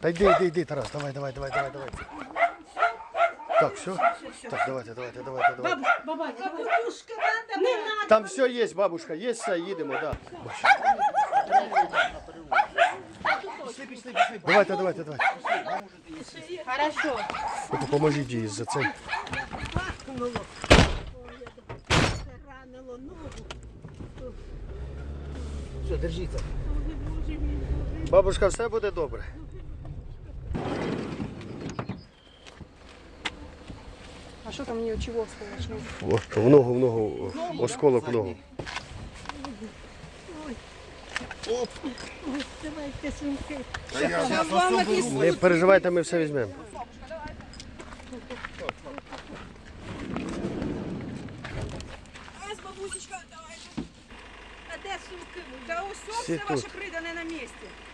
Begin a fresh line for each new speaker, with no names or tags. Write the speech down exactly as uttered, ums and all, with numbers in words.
Та йди, йди, йди, Тарас, давай, давай, давай, давай, давай. Так, все? Так, давайте, давайте, давайте, давайте.
Бабаня, бабушка, надо, не надо.
Там все є, бабушка, є все, їдемо, так. Давайте, давайте, давайте.
Хорошо.
Ви поможіть їй за цей.
Ранило ногу.
Все, держіться.
Бабушка, все буде добре.
А що там у нее, чего осколочного?
О, в ногу, в ногу, осколок в ногу.
Давайте сумки.
Не переживайте, ми все візьмемо.
Ось, бабусечка, давай. А де сумки? Да ось
Всі
все ваше
тут.
придане на місці.